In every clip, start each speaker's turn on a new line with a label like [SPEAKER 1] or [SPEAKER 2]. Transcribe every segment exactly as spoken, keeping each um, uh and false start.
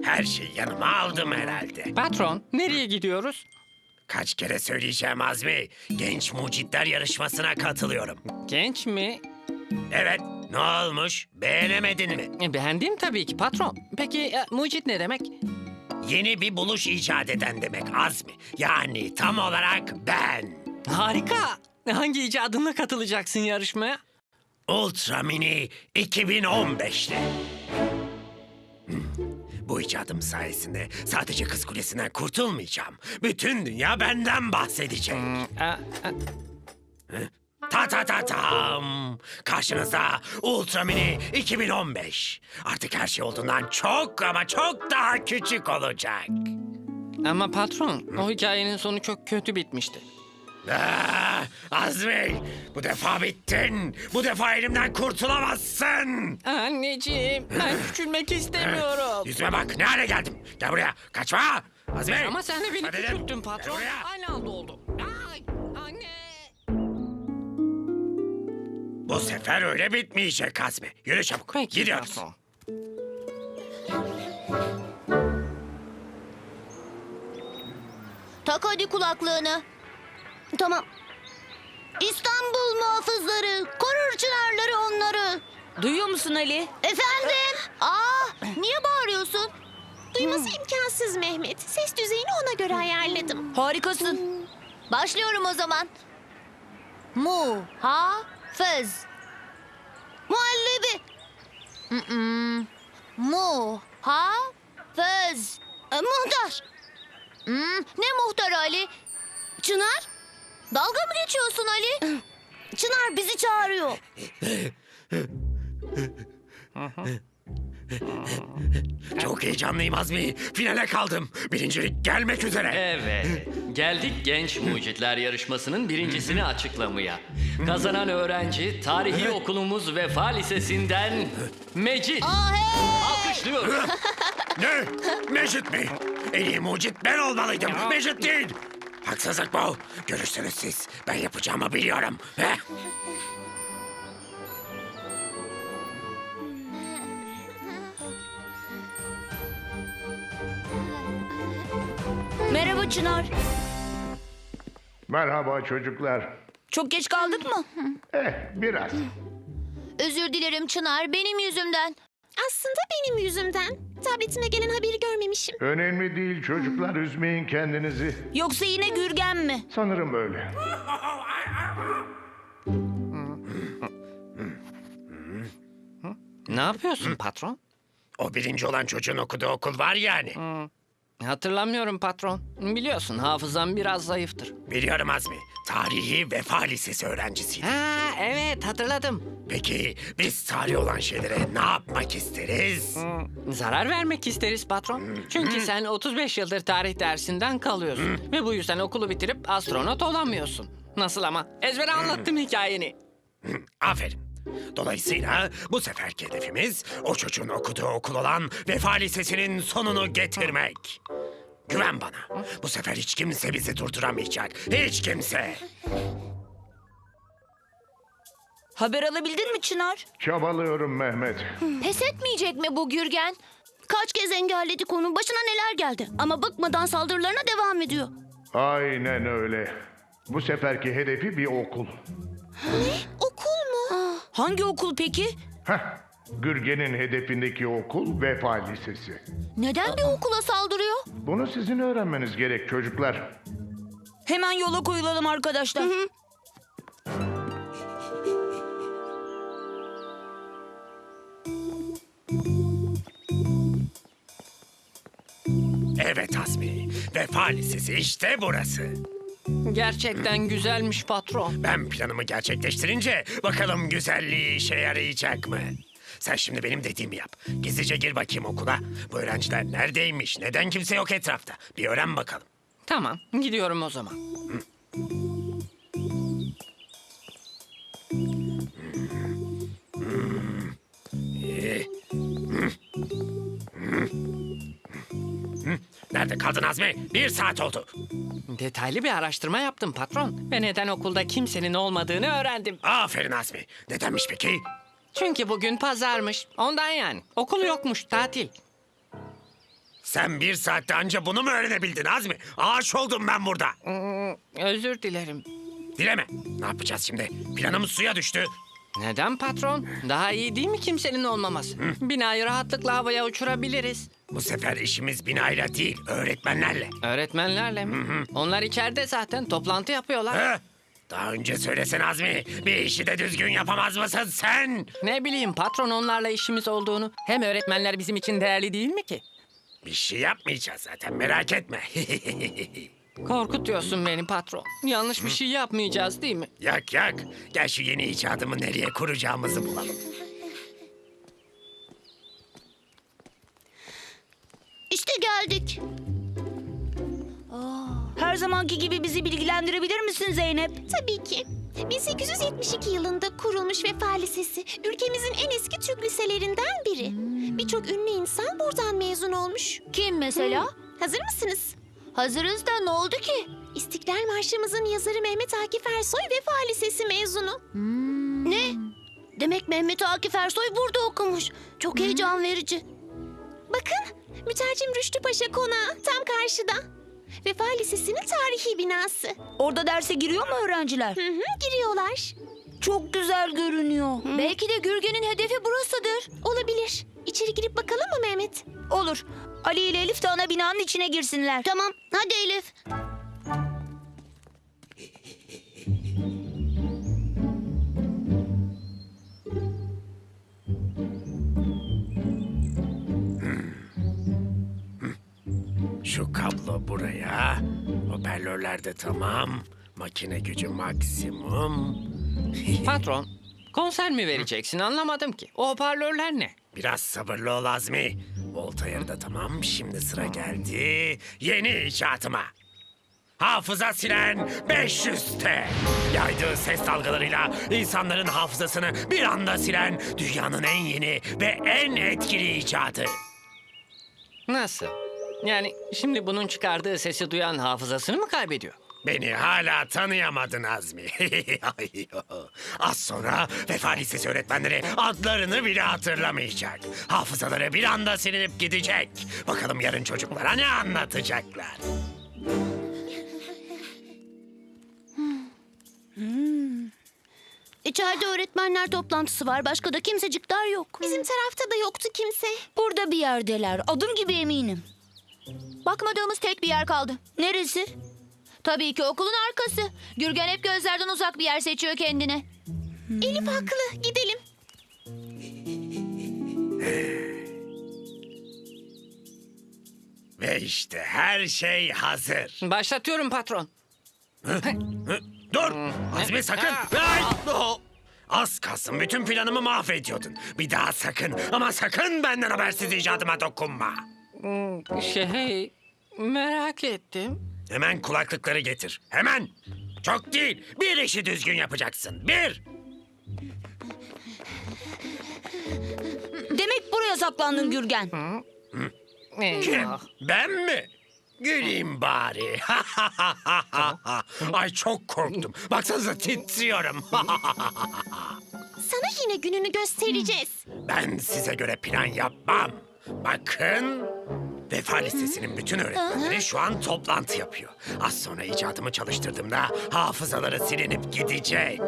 [SPEAKER 1] Her şeyi yanıma aldım herhalde.
[SPEAKER 2] Patron, nereye gidiyoruz?
[SPEAKER 1] Kaç kere söyleyeceğim Azmi. Genç mucitler yarışmasına katılıyorum.
[SPEAKER 2] Genç mi?
[SPEAKER 1] Evet, ne olmuş? Beğenemedin mi?
[SPEAKER 2] E, Beğendim tabii ki patron. Peki e, mucit ne demek?
[SPEAKER 1] Yeni bir buluş icat eden demek Azmi. Yani tam olarak ben.
[SPEAKER 2] Harika. Hangi icadınla katılacaksın yarışmaya?
[SPEAKER 1] Ultra Mini iki bin on beşte. Hmm, Bu icadım sayesinde sadece Kız Kulesi'nden kurtulmayacağım. Bütün dünya benden bahsedecek.
[SPEAKER 2] E, e,
[SPEAKER 1] Ta ta ta tam. Karşınızda Ultra Mini iki bin on beş. Artık her şey olduğundan çok ama çok daha küçük olacak.
[SPEAKER 2] Ama patron, o hikayenin sonu çok kötü bitmişti.
[SPEAKER 1] Ah, Azmi, bu defa bittin. Bu defa elimden kurtulamazsın.
[SPEAKER 2] Anneciğim, ben küçülmek istemiyorum.
[SPEAKER 1] Yüzüme bak, ne hale geldim. Gel buraya, kaçma. Azmi.
[SPEAKER 2] Ama sen de beni
[SPEAKER 1] Hadi dedim.
[SPEAKER 2] küçülttün patron.
[SPEAKER 1] Gel buraya.
[SPEAKER 2] Aynı anda oldu. Ay, anne.
[SPEAKER 1] Bu sefer öyle bitmeyecek Azmi. Yürü çabuk,
[SPEAKER 2] Peki
[SPEAKER 1] gidiyoruz.
[SPEAKER 2] patron.
[SPEAKER 3] Tak hadi kulaklığını. Tamam. İstanbul muhafızları, korur çınarları onları.
[SPEAKER 4] Duyuyor musun Ali?
[SPEAKER 3] Efendim? Aa, niye bağırıyorsun?
[SPEAKER 5] Duyması imkansız Mehmet. Ses düzeyini ona göre ayarladım.
[SPEAKER 4] Harikasın.
[SPEAKER 3] Başlıyorum o zaman. Mu, ha, fız. Muhallebi. Mm-mm. Mu, ha, fız. E, muhtar. Hmm, ne muhtar Ali? Çınar? Dalga mı geçiyorsun Ali? Çınar bizi çağırıyor.
[SPEAKER 1] Çok heyecanlıyım Azmi. Finale kaldım. Birincilik gelmek üzere.
[SPEAKER 6] Evet, geldik genç mucitler yarışmasının birincisini açıklamaya. Kazanan öğrenci tarihi okulumuz Vefa Lisesi'nden Mecit.
[SPEAKER 3] Aa, hey!
[SPEAKER 6] Alkışlıyoruz.
[SPEAKER 1] Ne? Mecit mi? En iyi mucit ben olmalıydım. Mecit değil. Haksızlık bu. Görürsünüz siz. Ben yapacağımı biliyorum. Heh.
[SPEAKER 4] Merhaba Çınar.
[SPEAKER 7] Merhaba çocuklar.
[SPEAKER 4] Çok geç kaldık mı?
[SPEAKER 7] Eh, biraz.
[SPEAKER 3] Özür dilerim Çınar, benim yüzümden.
[SPEAKER 5] Aslında benim yüzümden. Tabletime gelen haberi görmemişim.
[SPEAKER 7] Önemli değil çocuklar, üzmeyin kendinizi.
[SPEAKER 4] Yoksa yine Gürgen mi?
[SPEAKER 7] Sanırım öyle.
[SPEAKER 2] Ne yapıyorsun patron?
[SPEAKER 1] O birinci olan çocuğun okuduğu okul var yani.
[SPEAKER 2] Hatırlamıyorum patron. Biliyorsun hafızam biraz zayıftır.
[SPEAKER 1] Biliyorum Azmi. Tarihi Vefa Lisesi öğrencisiydi.
[SPEAKER 2] Ha evet hatırladım.
[SPEAKER 1] Peki biz tarih olan şeylere ne yapmak isteriz?
[SPEAKER 2] Zarar vermek isteriz patron. Çünkü sen otuz beş yıldır tarih dersinden kalıyorsun. Ve bu yüzden okulu bitirip astronot olamıyorsun. Nasıl ama? Ezbere anlattım hikayeni.
[SPEAKER 1] Aferin. Dolayısıyla bu seferki hedefimiz o çocuğun okuduğu okul olan Vefa Lisesi'nin sonunu getirmek. Güven bana. Bu sefer hiç kimse bizi durduramayacak. Hiç kimse.
[SPEAKER 4] Haber alabildin mi Çınar?
[SPEAKER 7] Çabalıyorum Mehmet.
[SPEAKER 3] Pes etmeyecek mi bu Gürgen? Kaç kez engelledik onun, başına neler geldi. Ama bıkmadan saldırılarına devam ediyor.
[SPEAKER 7] Aynen öyle. Bu seferki hedefi bir okul.
[SPEAKER 5] Okul mu?
[SPEAKER 4] Hangi okul peki?
[SPEAKER 7] Heh, Gürgen'in hedefindeki okul Vefa Lisesi.
[SPEAKER 3] Neden bir okula saldırıyor?
[SPEAKER 7] Bunu sizin öğrenmeniz gerek çocuklar.
[SPEAKER 4] Hemen yola koyulalım arkadaşlar.
[SPEAKER 1] Evet Azmi. Vefa Lisesi işte burası.
[SPEAKER 2] Gerçekten güzelmiş patron.
[SPEAKER 1] Ben planımı gerçekleştirince bakalım güzelliği işe yarayacak mı? Sen şimdi benim dediğimi yap. Gizlice gir bakayım okula. Bu öğrenciler neredeymiş? Neden kimse yok etrafta? Bir öğren bakalım.
[SPEAKER 2] Tamam gidiyorum o zaman.
[SPEAKER 1] Nerede kaldın Azmi? Bir saat oldu.
[SPEAKER 2] Detaylı bir araştırma yaptım patron. Ve neden okulda kimsenin olmadığını öğrendim.
[SPEAKER 1] Aferin Azmi. Nedenmiş peki?
[SPEAKER 2] Çünkü bugün pazarmış. Ondan yani. Okul yokmuş, tatil.
[SPEAKER 1] Sen bir saatte anca bunu mu öğrenebildin Azmi? Ağaç oldum ben burada.
[SPEAKER 2] Hmm, özür dilerim.
[SPEAKER 1] Dileme. Ne yapacağız şimdi? Planımız suya düştü.
[SPEAKER 2] Neden patron? Daha iyi değil mi kimsenin olmaması? Binayı rahatlıkla havaya uçurabiliriz.
[SPEAKER 1] Bu sefer işimiz binayla değil, öğretmenlerle.
[SPEAKER 2] Öğretmenlerle mi? Onlar içeride zaten toplantı yapıyorlar.
[SPEAKER 1] Ha? Daha önce söylesen Azmi, bir işi de düzgün yapamaz mısın sen?
[SPEAKER 2] Ne bileyim patron onlarla işimiz olduğunu. Hem öğretmenler bizim için değerli değil mi ki?
[SPEAKER 1] Bir şey yapmayacağız zaten, merak etme.
[SPEAKER 2] Korkutuyorsun beni patron. Yanlış bir şey yapmayacağız değil mi?
[SPEAKER 1] Yak yak, gel şu yeni icadımı nereye kuracağımızı bulalım.
[SPEAKER 3] İşte geldik.
[SPEAKER 4] Her zamanki gibi bizi bilgilendirebilir misin Zeynep?
[SPEAKER 5] Tabii ki. bin sekiz yüz yetmiş iki yılında kurulmuş Vefa Lisesi ülkemizin en eski Türk liselerinden biri. Birçok ünlü insan buradan mezun olmuş.
[SPEAKER 3] Kim mesela?
[SPEAKER 5] Hazır mısınız?
[SPEAKER 3] Hazırız da ne oldu ki?
[SPEAKER 5] İstiklal Marşımızın yazarı Mehmet Akif Ersoy Vefa Lisesi mezunu.
[SPEAKER 3] Ne? Demek Mehmet Akif Ersoy burada okumuş. Çok heyecan verici.
[SPEAKER 5] Bakın, mütercim Rüştü Paşa Konağı tam karşıda. Vefa Lisesi'nin tarihi binası.
[SPEAKER 4] Orada derse giriyor mu öğrenciler?
[SPEAKER 5] Hı hı, giriyorlar.
[SPEAKER 4] Çok güzel görünüyor.
[SPEAKER 3] Belki de Gürgen'in hedefi burasıdır.
[SPEAKER 5] Olabilir. İçeri girip bakalım mı Mehmet?
[SPEAKER 4] Olur. Ali ile Elif de ana binanın içine girsinler.
[SPEAKER 3] Tamam, hadi Elif.
[SPEAKER 1] Şu kablo buraya, hoparlörler de tamam, makine gücü maksimum.
[SPEAKER 2] Patron, konser mi vereceksin anlamadım ki. O hoparlörler ne?
[SPEAKER 1] Biraz sabırlı ol Azmi. Voltaire da tamam, şimdi sıra geldi yeni icatıma. Hafıza silen beş yüz T. Yaydığı ses dalgalarıyla insanların hafızasını bir anda silen dünyanın en yeni ve en etkili icadı.
[SPEAKER 2] Nasıl? Yani şimdi bunun çıkardığı sesi duyan hafızasını mı kaybediyor?
[SPEAKER 1] Beni hala tanıyamadın Azmi. Az sonra Vefa Lisesi öğretmenleri adlarını bile hatırlamayacak. Hafızaları bir anda silinip gidecek. Bakalım yarın çocuklara ne anlatacaklar.
[SPEAKER 3] İçeride öğretmenler toplantısı var. Başka da kimsecikler yok.
[SPEAKER 5] Bizim tarafta da yoktu kimse.
[SPEAKER 4] Burada bir yerdeler. Adım gibi eminim.
[SPEAKER 3] Bakmadığımız tek bir yer kaldı.
[SPEAKER 4] Neresi?
[SPEAKER 3] Tabii ki okulun arkası. Gürgen hep gözlerden uzak bir yer seçiyor kendine.
[SPEAKER 5] Elif haklı. Gidelim.
[SPEAKER 1] Ve işte her şey hazır.
[SPEAKER 2] Başlatıyorum patron.
[SPEAKER 1] Hı? Dur! Azmi sakın! Ay! Oh! Az kalsın bütün planımı mahvediyordun. Bir daha sakın ama sakın benden habersiz icadıma dokunma.
[SPEAKER 2] Şey, merak ettim.
[SPEAKER 1] Hemen kulaklıkları getir. Hemen! Çok değil. Bir işi düzgün yapacaksın. Bir!
[SPEAKER 4] Demek buraya saklandın Gürgen.
[SPEAKER 1] Kim?
[SPEAKER 2] Eyvah.
[SPEAKER 1] Ben mi? Güleyim bari. Ay çok korktum. Baksanıza titriyorum.
[SPEAKER 5] Sana yine gününü göstereceğiz.
[SPEAKER 1] Ben size göre plan yapmam. Bakın. Vefa Lisesi'nin bütün öğretmenleri şu an toplantı yapıyor. Az sonra icadımı çalıştırdığımda hafızaları silinip gidecek.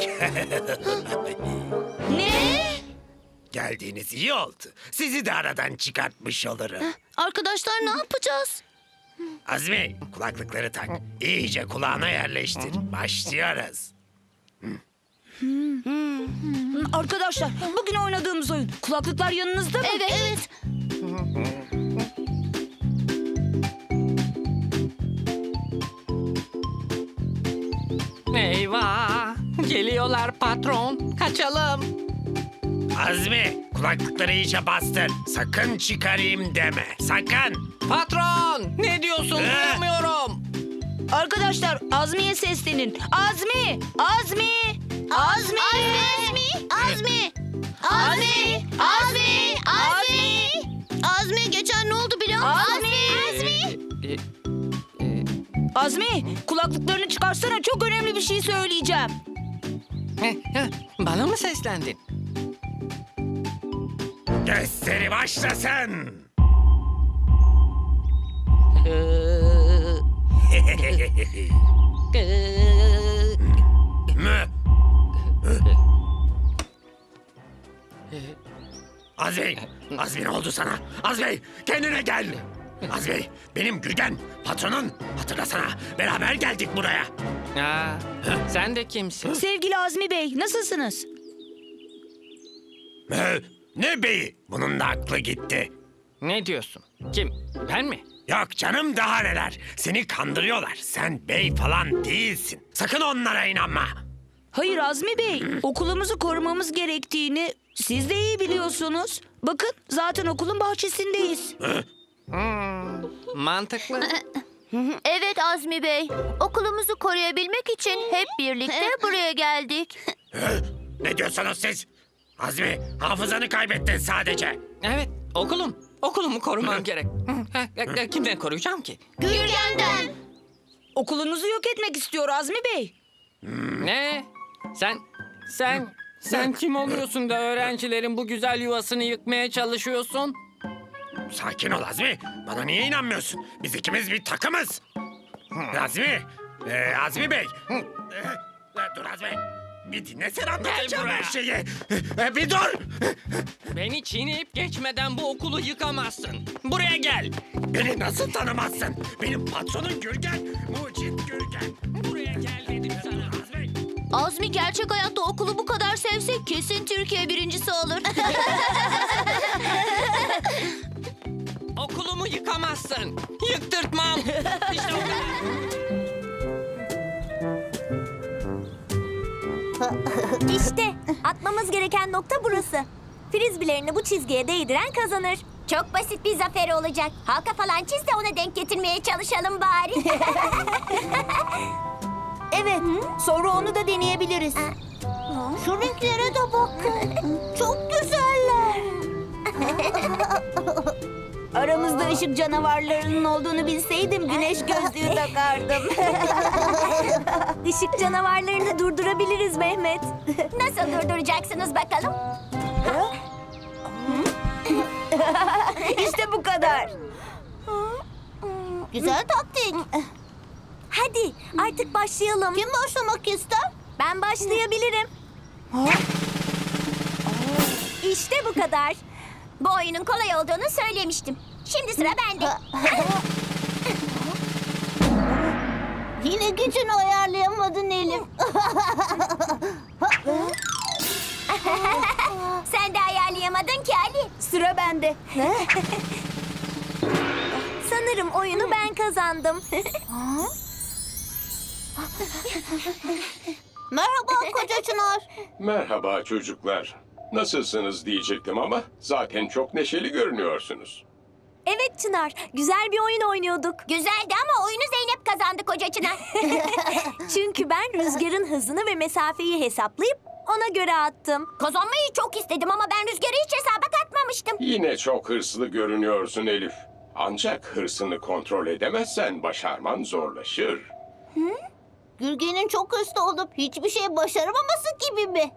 [SPEAKER 4] Ne?
[SPEAKER 1] Geldiğiniz iyi oldu. Sizi de aradan çıkartmış olurum.
[SPEAKER 3] Arkadaşlar ne yapacağız?
[SPEAKER 1] Azmi, kulaklıkları tak. İyice kulağına yerleştir. Başlıyoruz.
[SPEAKER 4] Arkadaşlar bugün oynadığımız oyun. Kulaklıklar yanınızda mı?
[SPEAKER 3] Evet, evet.
[SPEAKER 2] Eyvah! Geliyorlar patron. Kaçalım.
[SPEAKER 1] Azmi, kulaklıkları iyice bastır. Sakın çıkarayım deme. Sakın.
[SPEAKER 2] Patron! Ne diyorsun?
[SPEAKER 1] Ee?
[SPEAKER 2] Duyamıyorum.
[SPEAKER 4] Arkadaşlar Azmi'ye seslenin. Azmi! Azmi! Azmi!
[SPEAKER 3] Azmi! Azmi! Azmi! Azmi! Azmi! Azmi geçen ne oldu biliyor musun?
[SPEAKER 4] Azmi!
[SPEAKER 2] Ee, e,
[SPEAKER 4] Azmi kulaklıklarını çıkarsana, çok önemli bir şey söyleyeceğim.
[SPEAKER 2] heh, heh, bana mı seslendin?
[SPEAKER 1] Gösteri başlasın. Mü? Azmi, Azmi ne oldu sana? Azmi, kendine gel. Azmi, benim Gürgen, patronun. Hatırlasana, beraber geldik buraya.
[SPEAKER 2] Aa, sen de kimsin?
[SPEAKER 4] Sevgili Azmi Bey, nasılsınız?
[SPEAKER 1] Mü? Ne beyi? Bunun da aklı gitti.
[SPEAKER 2] Ne diyorsun? Kim? Ben mi?
[SPEAKER 1] Yok canım, daha neler. Seni kandırıyorlar. Sen bey falan değilsin. Sakın onlara inanma.
[SPEAKER 4] Hayır Azmi Bey, okulumuzu korumamız gerektiğini siz de iyi biliyorsunuz. Bakın, zaten okulun bahçesindeyiz.
[SPEAKER 2] Hmm, mantıklı.
[SPEAKER 3] Evet Azmi Bey. Okulumuzu koruyabilmek için hep birlikte buraya geldik.
[SPEAKER 1] Hı? Ne diyorsunuz siz? Azmi, hafızanı kaybettin sadece.
[SPEAKER 2] Evet, okulum. Okulumu korumam gerek. Hı, ha, Kimden koruyacağım ki?
[SPEAKER 3] Gürgen'den.
[SPEAKER 4] Okulunuzu yok etmek istiyor Azmi Bey.
[SPEAKER 2] Ne? Sen, sen, sen kim oluyorsun da öğrencilerin bu güzel yuvasını yıkmaya çalışıyorsun?
[SPEAKER 1] Sakin ol Azmi. Bana niye inanmıyorsun? Biz ikimiz bir takımız. Azmi, ee, Azmi Bey. Ee, dur Azmi. Bir dinlesene, anlatacağım
[SPEAKER 2] buraya.
[SPEAKER 1] her şeyi. Ee, bir dur.
[SPEAKER 2] Beni çiğneyip geçmeden bu okulu yıkamazsın. Buraya gel.
[SPEAKER 1] Beni nasıl tanımazsın? Benim patronum Gürgen. Mucit Gürgen.
[SPEAKER 2] Buraya gel dedim sana.
[SPEAKER 1] Azmi.
[SPEAKER 3] Azmi gerçek hayatta okulu bu kadar sevse kesin Türkiye birincisi olur.
[SPEAKER 2] Okulumu yıkamazsın. Yıktırtmam. İşte o kadar.
[SPEAKER 8] İşte atmamız gereken nokta burası. Frizbilerini bu çizgiye değdiren kazanır. Çok basit bir zafer olacak. Halka falan çiz de ona denk getirmeye çalışalım bari. Evet, sonra onu da deneyebiliriz. Şu renklere de bakın. Çok güzeller. Aramızda ışık canavarlarının olduğunu bilseydim güneş gözlüğü takardım. Işık canavarlarını durdurabiliriz Mehmet. Nasıl durduracaksınız bakalım? İşte bu kadar. Güzel taktik. Hadi artık başlayalım. Kim başlamak ister? Ben başlayabilirim. İşte bu kadar. Bu oyunun kolay olduğunu söylemiştim. Şimdi sıra bende. Yine gücünü ayarlayamadın Elif. Sen de ayarlayamadın ki Ali. Sıra bende. Sanırım oyunu ben kazandım. Merhaba Koca Çınar.
[SPEAKER 9] Merhaba çocuklar. Nasılsınız diyecektim ama zaten çok neşeli görünüyorsunuz.
[SPEAKER 8] Evet Çınar, güzel bir oyun oynuyorduk. Güzeldi ama oyunu Zeynep kazandı Koca Çınar. Çünkü ben rüzgarın hızını ve mesafeyi hesaplayıp ona göre attım. Kazanmayı çok istedim ama ben rüzgarı hiç hesaba katmamıştım.
[SPEAKER 9] Yine çok hırslı görünüyorsun Elif. Ancak hırsını kontrol edemezsen başarman zorlaşır.
[SPEAKER 3] Gürgen'in çok hırslı olup hiçbir şey başaramaması gibi mi?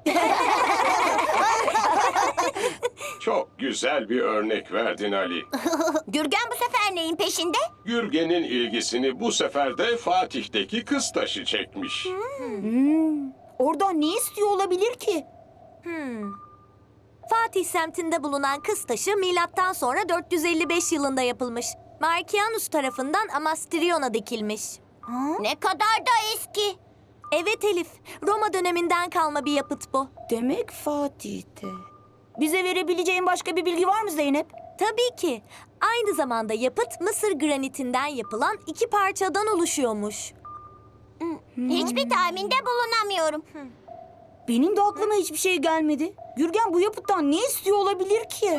[SPEAKER 9] Çok güzel bir örnek verdin Ali.
[SPEAKER 3] Gürgen bu sefer neyin peşinde?
[SPEAKER 9] Gürgen'in ilgisini bu sefer de Fatih'teki kız taşı çekmiş.
[SPEAKER 8] Oradan ne istiyor olabilir ki? Hmm. Fatih semtinde bulunan kız taşı milattan sonra dört yüz elli beş yılında yapılmış. Markianus tarafından Amastrion'a dikilmiş.
[SPEAKER 3] Ne kadar da eski.
[SPEAKER 8] Evet Elif, Roma döneminden kalma bir yapıt bu. Demek Fatih'te. Bize verebileceğin başka bir bilgi var mı Zeynep? Tabii ki. Aynı zamanda yapıt Mısır granitinden yapılan iki parçadan oluşuyormuş.
[SPEAKER 3] Hiçbir tahminde bulunamıyorum.
[SPEAKER 8] Benim de aklıma hiçbir şey gelmedi. Gürgen bu yapıttan ne istiyor olabilir ki?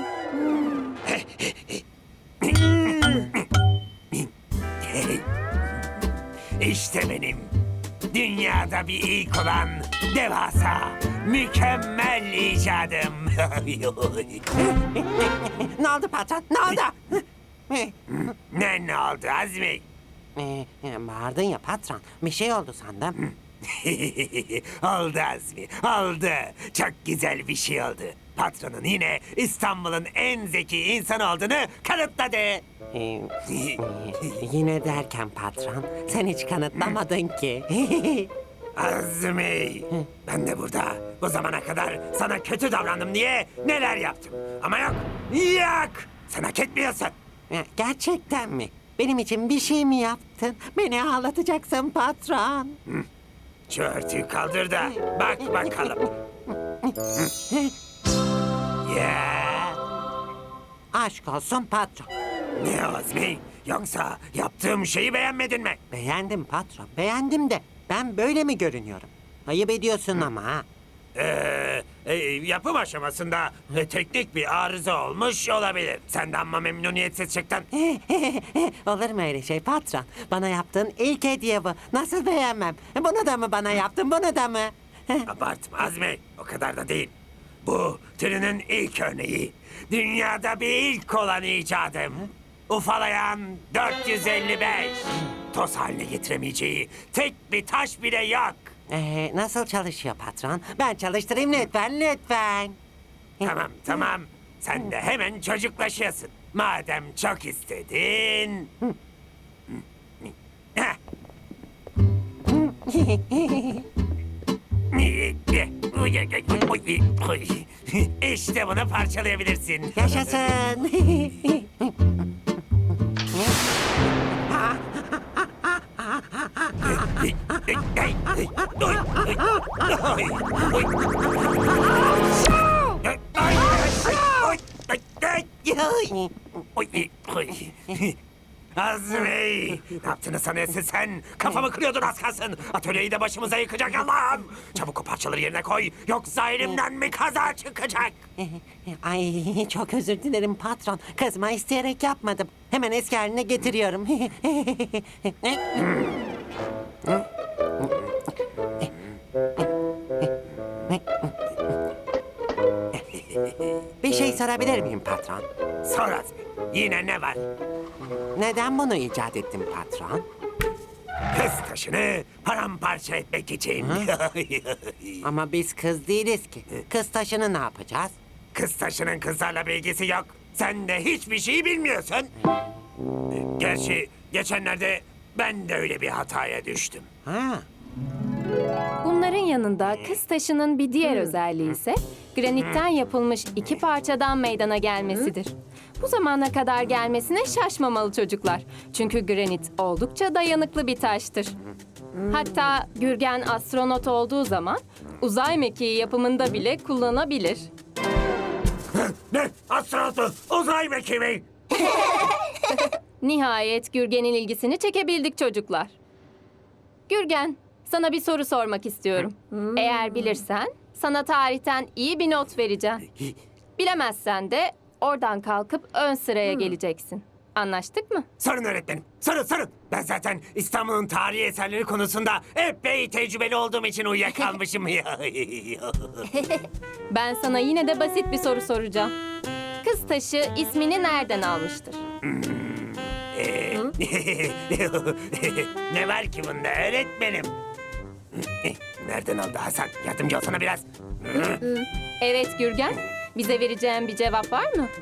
[SPEAKER 1] İşte benim. Dünyada bir ilk olan devasa, mükemmel icadım.
[SPEAKER 10] Ne oldu patron? Ne oldu?
[SPEAKER 1] Ne ne oldu Azmi?
[SPEAKER 10] Ee, bağırdın ya patron. Bir şey oldu sandım.
[SPEAKER 1] Oldu Azmi, oldu. Çok güzel bir şey oldu. Patronun yine İstanbul'un en zeki insan olduğunu kanıtladı.
[SPEAKER 10] Ee, yine derken patron, sen hiç kanıtlamadın ki.
[SPEAKER 1] Azmi, ben de burada bu zamana kadar sana kötü davrandım diye neler yaptım. Ama yok, yok. Sen hak etmiyorsun.
[SPEAKER 10] Ya, gerçekten mi? Benim için bir şey mi yaptın? Beni ağlatacaksın patron.
[SPEAKER 1] Şu örtüyü kaldır da bak bakalım. Ya,
[SPEAKER 10] Aşk olsun patron.
[SPEAKER 1] ne Azmi? Yoksa yaptığım şeyi beğenmedin mi?
[SPEAKER 10] Beğendim patron, beğendim de ben böyle mi görünüyorum? Ayıp ediyorsun ama ha.
[SPEAKER 1] Ee, e, yapım aşamasında e, teknik bir arıza olmuş olabilir. Sen de amma memnuniyetsiz çıktın.
[SPEAKER 10] Olur mu öyle şey patron? Bana yaptığın ilk hediye bu. Nasıl beğenmem? Bunu da mı bana yaptın, bunu da mı?
[SPEAKER 1] Abartma Azmi, o kadar da değil. Bu türünün ilk örneği. Dünyada bir ilk olan icadım. Ufalayan dört yüz elli beş. Toz haline getiremeyeceği tek bir taş bile yok.
[SPEAKER 10] Ee, nasıl çalışıyor patron? Ben çalıştırayım lütfen, lütfen.
[SPEAKER 1] Tamam tamam, sen de hemen çocuklaşıyorsun. Madem çok istedin. Heh. İşte bunu parçalayabilirsin.
[SPEAKER 10] Yaşasın.
[SPEAKER 1] Azmi! Ne yaptığını sanıyorsun sen? Kafamı kırıyordun az kalsın. Atölyeyi de başımıza yıkacak Allah'ım. Çabuk o parçaları yerine koy. Yoksa elimden mi kaza çıkacak?
[SPEAKER 10] Ay çok özür dilerim patron. Kızma isteyerek yapmadım. Hemen eski haline getiriyorum. Bir şey sorabilir miyim patron?
[SPEAKER 1] Sor Azmi. Yine ne var?
[SPEAKER 10] Neden bunu icat ettin patron?
[SPEAKER 1] Kız taşını paramparça etmek için.
[SPEAKER 10] Ama biz kız değiliz ki. Kız taşını ne yapacağız?
[SPEAKER 1] Kız taşının kızlarla bir ilgisi yok. Sen de hiçbir şey bilmiyorsun. Gerçi geçenlerde ben de öyle bir hataya düştüm.
[SPEAKER 10] Ha.
[SPEAKER 11] Bunların yanında kız taşının bir diğer özelliği ise granitten yapılmış iki parçadan meydana gelmesidir. Bu zamana kadar gelmesine şaşmamalı çocuklar. Çünkü granit oldukça dayanıklı bir taştır. Hatta Gürgen astronot olduğu zaman uzay mekiği yapımında bile kullanabilir.
[SPEAKER 1] Ne? Astronotu uzay mekiği.
[SPEAKER 11] Nihayet Gürgen'in ilgisini çekebildik çocuklar. Gürgen, sana bir soru sormak istiyorum. Eğer bilirsen sana tarihten iyi bir not vereceğim. Bilemezsen de oradan kalkıp ön sıraya geleceksin. Anlaştık mı?
[SPEAKER 1] Sorun öğretmenim. Sorun sorun. Ben zaten İstanbul'un tarihi eserleri konusunda epey tecrübeli olduğum için uyuyakalmışım.
[SPEAKER 11] Ben sana yine de basit bir soru soracağım. Kız taşı ismini nereden almıştır?
[SPEAKER 1] Ee, ne var ki bunda öğretmenim? Nereden aldı Hasan? Yardımcı olsana biraz.
[SPEAKER 11] Evet Gürgen, bize vereceğin bir cevap var mı?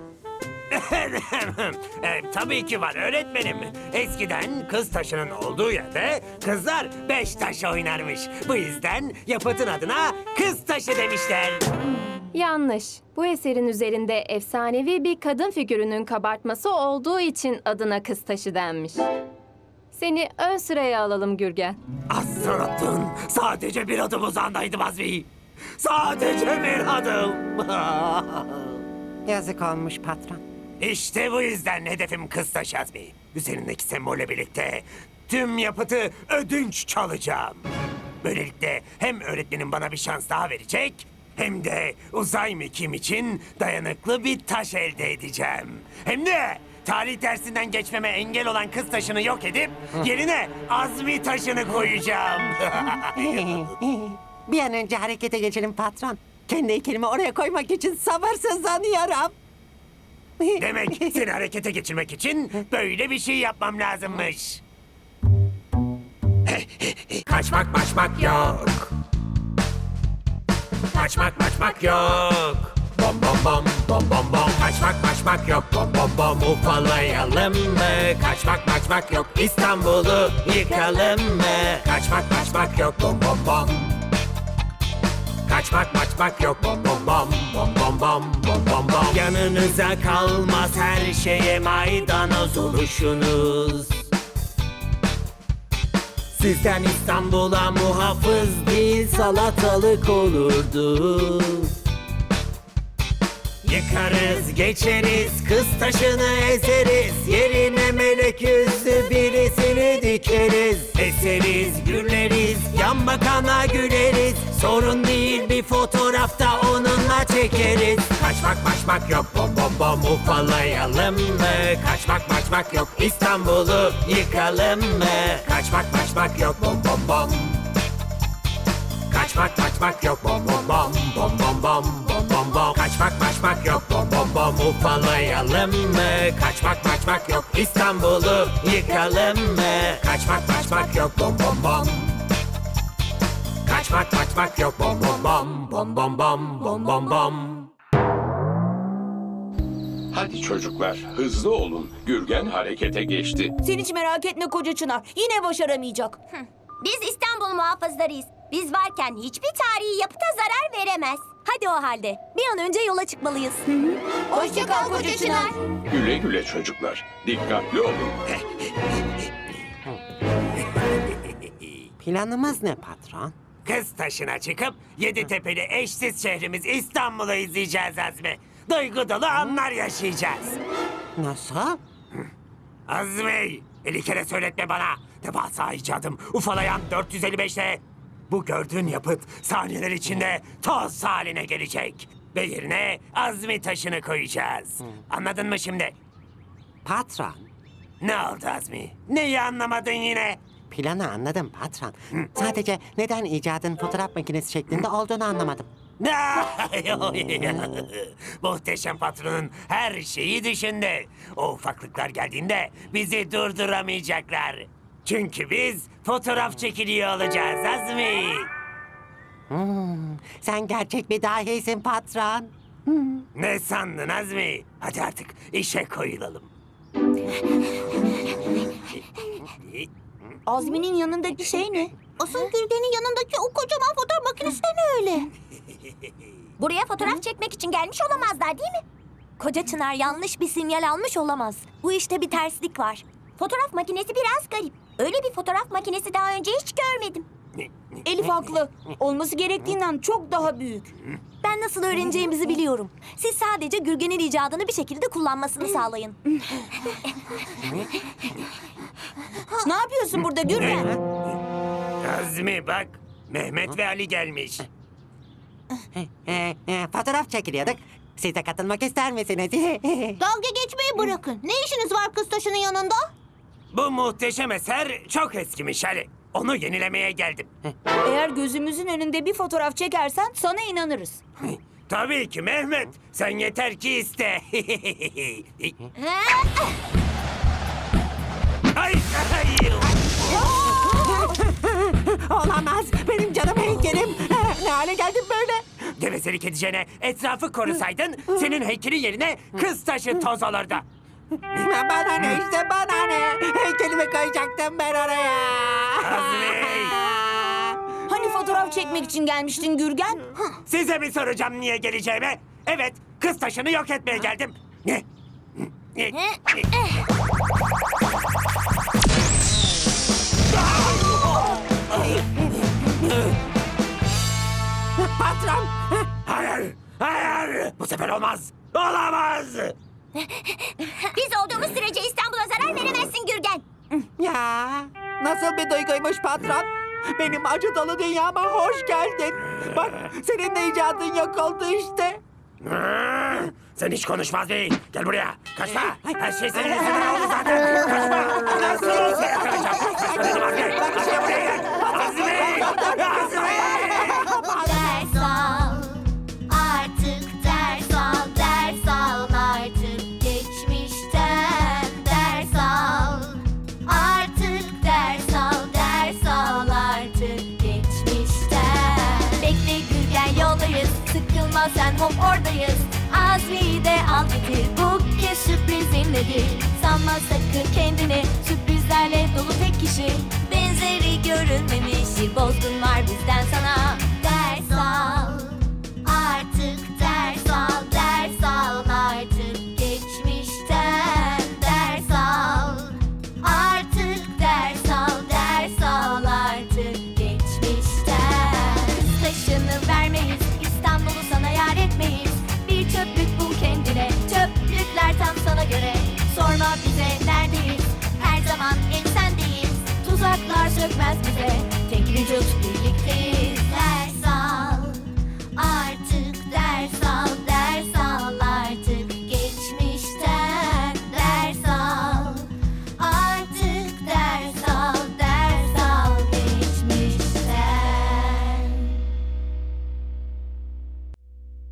[SPEAKER 1] e, tabii ki var öğretmenim. Eskiden kız taşının olduğu yerde kızlar beş taş oynarmış. Bu yüzden yapıtın adına kız taşı demişler.
[SPEAKER 11] Yanlış. Bu eserin üzerinde efsanevi bir kadın figürünün kabartması olduğu için adına kız taşı denmiş. Seni ön sıraya alalım Gürgen.
[SPEAKER 1] Astronotun sadece bir adım uzağındaydım Azmi. Sadece bir adım.
[SPEAKER 10] Yazık olmuş patron.
[SPEAKER 1] İşte bu yüzden hedefim kız taşı Azmi. Üzerindeki sembolle birlikte tüm yapıtı ödünç çalacağım. Böylelikle hem öğretmenim bana bir şans daha verecek... hem de uzay mekiğim için dayanıklı bir taş elde edeceğim. Hem de tarih dersinden geçmeme engel olan kız taşını yok edip yerine Azmi taşını koyacağım.
[SPEAKER 10] Bir an önce harekete geçelim patron. Kendi heykelimi oraya koymak için sabırsızlanıyorum.
[SPEAKER 1] Demek seni harekete geçirmek için böyle bir şey yapmam lazımmış. Kaçmak maçmak yok. Kaçmak maçmak yok. bom bom bom bom bom bom. Kaçmak maçmak yok bom bom bom. Ufalayalım mı? Kaçmak maçmak yok. İstanbul'u yıkalım mı? Kaçmak maçmak yok bom bom bom. Kaçmak maçmak yok bom bom bom bom bom bom bom bom bom. Yanınıza kalmaz her şeye maydanoz oluşunuz. Sizden İstanbul'a muhafız değil salatalık olurdu. Yıkarız geçeriz kız taşını ezeriz. Yerine melek yüzlü birisini dikeriz. Eseriz güleriz yan bakana güleriz. Sorun değil bir fotoğrafta onunla çekeriz. Kaçmak maçmak yok bom bom bom. Ufalayalım mı? Kaçmak maçmak yok. İstanbul'u yıkalım mı? Kaçmak maçmak yok bom bom bom. Kaçmak maçmak yok bom bom bom bom bom bom bom bom bom. Kaçmak maçmak yok bom bom bom. Ufalayalım mı? Kaçmak maçmak yok. İstanbul'u yıkalım mı? Kaçmak maçmak yok bom bom bom. Kaçmak maçmak yok bom bom bom bom bom bom bom bom bom.
[SPEAKER 9] Hadi çocuklar, hızlı olun. Gürgen harekete geçti.
[SPEAKER 4] Sen hiç merak etme koca Çınar. Yine başaramayacak.
[SPEAKER 3] Biz İstanbul muhafızlarıyız. Biz varken hiçbir tarihi yapıta zarar veremez.
[SPEAKER 8] Hadi o halde. Bir an önce yola çıkmalıyız.
[SPEAKER 3] Hoşça kal koca Çınar.
[SPEAKER 9] Güle güle çocuklar. Dikkatli olun.
[SPEAKER 10] Planımız ne patron?
[SPEAKER 1] Kız taşına çıkıp Yeditepe'li eşsiz şehrimiz İstanbul'u izleyeceğiz Azmi. Duygu dolu anlar yaşayacağız.
[SPEAKER 10] Nasıl?
[SPEAKER 1] Azmi, elli kere söyletme bana. Devasa icadım ufalayan dört yüz elli beşte. Bu gördüğün yapıt saniyeler içinde toz haline gelecek. Ve yerine Azmi taşını koyacağız. Anladın mı şimdi?
[SPEAKER 10] Patron.
[SPEAKER 1] Ne oldu Azmi? Neyi anlamadın yine?
[SPEAKER 10] Planı anladım patron. Sadece neden icadın fotoğraf makinesi şeklinde olduğunu anlamadım.
[SPEAKER 1] Muhteşem patronun her şeyi düşündü. O ufaklıklar geldiğinde bizi durduramayacaklar. Çünkü biz fotoğraf çekiliyor olacağız Azmi.
[SPEAKER 10] Hmm, sen gerçek bir dahisin patron.
[SPEAKER 1] Ne sandın Azmi? Hadi artık işe koyulalım.
[SPEAKER 4] Azmi'nin yanındaki şey ne?
[SPEAKER 3] Asıl Gürgen'in yanındaki o kocaman fotoğraf makinesi de ne öyle? Buraya fotoğraf çekmek için gelmiş olamazlar değil mi?
[SPEAKER 8] Koca Çınar yanlış bir sinyal almış olamaz. Bu işte bir terslik var.
[SPEAKER 3] Fotoğraf makinesi biraz garip. Öyle bir fotoğraf makinesi daha önce hiç görmedim.
[SPEAKER 4] Elif haklı. Olması gerektiğinden çok daha büyük.
[SPEAKER 8] Ben nasıl öğreneceğimizi biliyorum. Siz sadece Gürgen'in icadını bir şekilde kullanmasını sağlayın.
[SPEAKER 4] Ne yapıyorsun burada Gürgen?
[SPEAKER 1] Azmi bak, Mehmet ve Ali gelmiş.
[SPEAKER 10] Ee, e, fotoğraf çekiliyorduk. Siz de katılmak ister misiniz?
[SPEAKER 3] Dalga geçmeyi bırakın. Ne işiniz var kız taşının yanında?
[SPEAKER 1] Bu muhteşem eser çok eskimiş Ali. Onu yenilemeye geldim.
[SPEAKER 4] Eğer gözümüzün önünde bir fotoğraf çekersen sana inanırız.
[SPEAKER 1] Tabii ki Mehmet. Sen yeter ki iste. Ay, ay.
[SPEAKER 10] Olamaz. Benim canım heykelim. Ne hale geldim böyle?
[SPEAKER 1] Gevezelik edeceğine etrafı korusaydın senin heykelin yerine kız taşı toz olurdu.
[SPEAKER 10] Bana ne işte bana ne? Heykelimi koyacaktım ben oraya.
[SPEAKER 1] Azmi!
[SPEAKER 4] Hani fotoğraf çekmek için gelmiştin Gürgen?
[SPEAKER 1] Size mi soracağım niye geleceğimi? Evet, kız taşını yok etmeye geldim. Ne? Ne?
[SPEAKER 10] Patron.
[SPEAKER 1] Hayır, hayır. Bu sefer olmaz. Olamaz.
[SPEAKER 3] Biz olduğumuz sürece İstanbul'a zarar veremezsin Gürgen.
[SPEAKER 10] Ya nasıl bir duyguymuş patron? Benim acı dolu dünyama hoş geldin. Bak senin de icadın yok oldu işte.
[SPEAKER 1] Sen hiç konuşmaz değil. Gel buraya. Kaçma. Her şey senin yüzünden oldu zaten. Kaçma. Nasıl olsa yakalayacağım. Kaçma dedim Azmi. Kaçma buraya gel. Azmi. Azmi.
[SPEAKER 3] Ders al, artık ders al, ders al artık geçmişten ders al. Artık ders al, ders al artık geçmişten. Bekle Gürgen yoldayız, sıkılma sen hop oradayız.
[SPEAKER 8] Azmi'yi de al getir. Bu kez sürprizin nedir? Sanma sakın kendini, sürprizlerle dolu tek kişi. Benzeri görünmemiş bir bozgun var bizden sana.